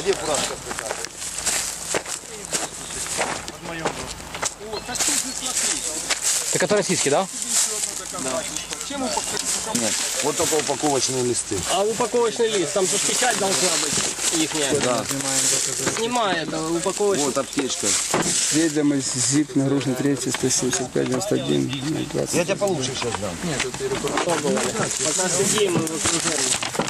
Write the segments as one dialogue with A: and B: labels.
A: где фуражка?
B: Так это российский, да?
A: Да. Нет, вот только упаковочные листы.
C: А упаковочный лист, там же печать должна быть ихняя.
A: Да.
C: Снимай это, упаковочный.
A: Вот аптечка.
D: Едем из ЗИП, нагружен 3, 175, 91, 20.
A: Я тебе получше сейчас дам.
C: Пока сидим, мы в окружении.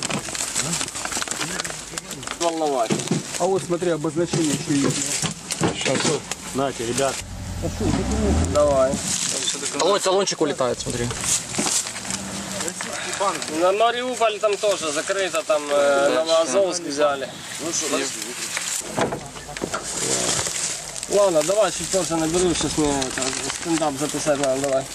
C: Волновать.
D: А вот смотри, обозначение еще есть.
B: Сейчас.
E: Нате, ребят.
C: Давай.
B: Ой, салончик улетает, смотри.
C: На Мариуполь там тоже закрыто, там Новоазовск взяли. Ладно, давай чуть позже наберу, сейчас мне стендап записать надо, давай.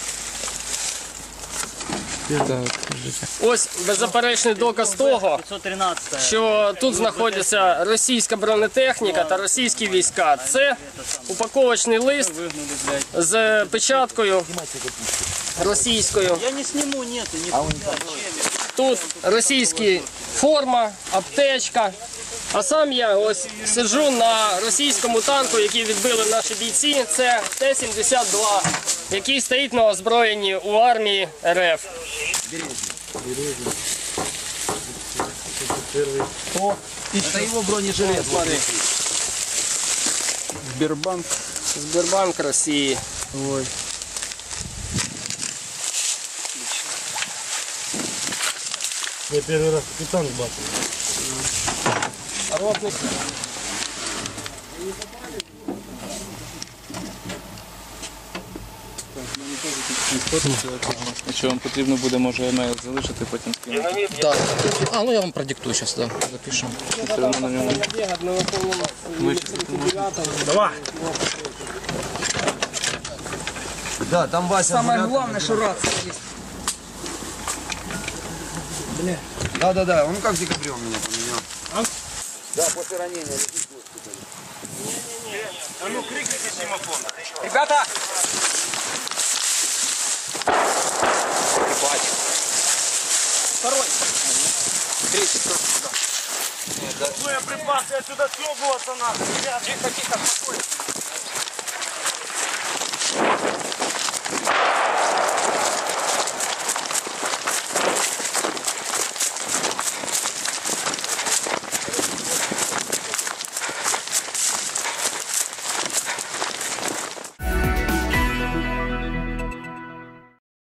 B: Так,
C: Ось беззаперечний доказ того,
E: 513.
C: що тут знаходиться російська бронетехніка та російські війська. Це упаковочний лист з печаткою російською.
E: Я не сниму, нету, нихуя.
C: Тут російська форма, аптечка. А сам я ось сиджу на російському танку, який відбили наші бійці. Це Т-72, який стоїть на озброєнні у армії РФ.
A: Это его бронежилет.
C: Смотри.
D: Сбербанк.
C: Сбербанк Росії.
D: Ой.
E: Я первый раз капитан бачу.
C: Ротник.
F: Якщо вам потрібно буде, може емейл залишити, потім скинути.
B: да. А, ну я вам продиктую сейчас, да, запишем.
F: Все одно на ньому.
E: Давай.
A: Да, там Вася.
D: Самое главное, что рация есть.
A: Да. Он как в декабре у меня поменял. Да, после ранения лежит в госпитале.
E: А ну крикните семафон.
D: Ребята!
B: Второй. Третий.
E: Боеприпасы отсюда съебываться надо.
B: Тихо, тихо, спокойно.